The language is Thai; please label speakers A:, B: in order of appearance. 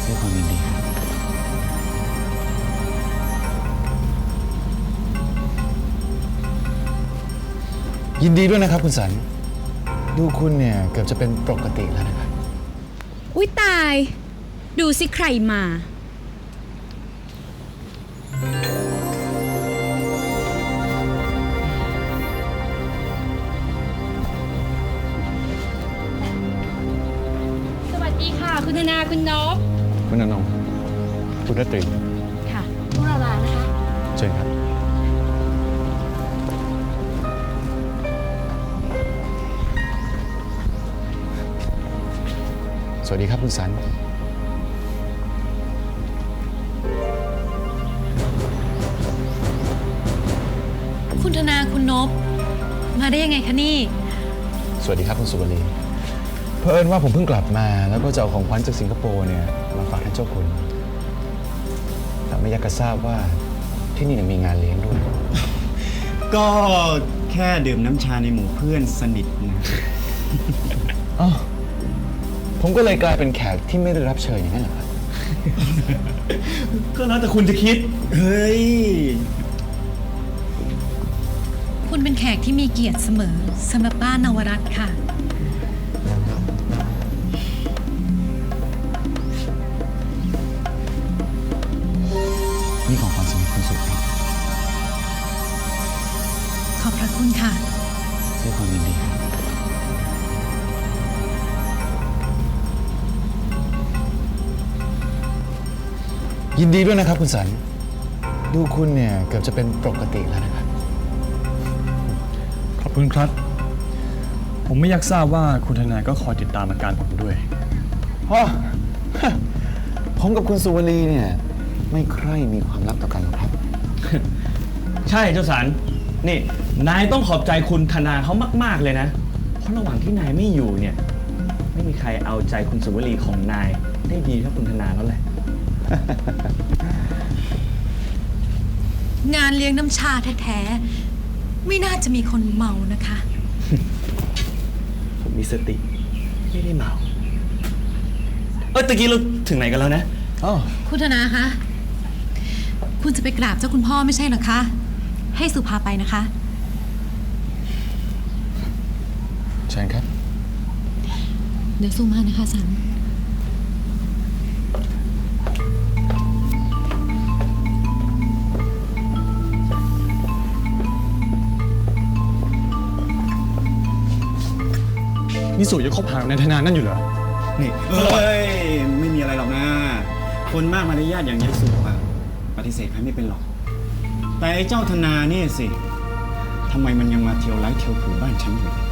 A: ด้วยความยินดีครับยินดีด้วยนะครับคุณสันดูคุณเนี่ยเกือบจะเป็นปกติแล้วนะครับ
B: อุ๊ยตาย ดูสิใครมาสวัสดีค่ะคุณธนาคุณนพ
A: คุณอนงคุณรัตรี
B: ค่ะพวกเราลานะคะ
A: เชิญครับสวัสดีครับคุณสัน
C: คุณธนาคุณนพมาได้ยังไงคะนี่
A: สวัสดีครับคุณสุวรีเผอิญว่าผมเพิ่งกลับมาแล้วก็จะเอาของขวัญจากสิงคโปร์เนี่ยมาฝากท่านเจ้าคุณแต่ไม่อยากจะทราบว่าที่นี่มีงานเลี้ยงด้วย
D: ก็แค่ดื่มน้ำชาในหมู่เพื่อนสนิทนะ
A: อ๋อผมก็เลยกลายเป็นแขกที่ไม่ได้รับเชิญอย่างนั้นเหรอครับ
D: ก็แล้วแต่คุณจะคิด เฮ้ย
C: คุณเป็นแขกที่มีเกียรติเสมอสำหรับบ้านนวรัตน์ค่ะ
A: นี่ของขวัญสำหรับคุณสุครับ
C: ขอบพระคุณค่ะ
A: ด้วยความยินดีครับยินดีด้วยนะครับคุณสันดูคุณเนี่ยเกือบจะเป็นปกติแล้วนะครับ
E: ขอบคุณครับ ผมไม่อยากทราบว่าคุณทนายก็คอยติดตามอาการผมด้วย
A: อ๋อ ผมกับคุณสุวรีเนี่ยไม่ใคร่มีความลับต่อกันหรอกครับ
D: ใช่เจ้าสันนี่ นายต้องขอบใจคุณธนาเขามากๆเลยนะ เพราะระหว่างที่นายไม่อยู่เนี่ย ไม่มีใครเอาใจคุณสุวรีของนายได้ดีเท่าคุณธนาแล้วแหละ
C: งานเลี้ยงน้ำชาแท้ๆไม่น่าจะมีคนเมานะคะ
D: ผมมีสติ ไม่ได้เมาตะกี้เราถึงไหนกันแล้วนะ
A: อ๋อ
C: คุณธนาคะคุณจะไปกราบเจ้าคุณพ่อไม่ใช่เหรอคะ ให้สุภาไปนะคะ
A: เชิญครับ
C: เดี๋ยวสุมานะคะสัน
E: นี่สุยังคบหากับนายธนานั่นอยู่เหรอ
D: นี่เฮ้ย ไม่มีอะไรหรอกนะ คนมากมารยาทอย่างยายสุอะปฏิเสธใครไม่เป็นหรอก แต่ไอ้เจ้าธนาเนี่ยสิทำไมมันยังมาเที่ยวไร้เที่ยวผืนบ้านฉันอยู่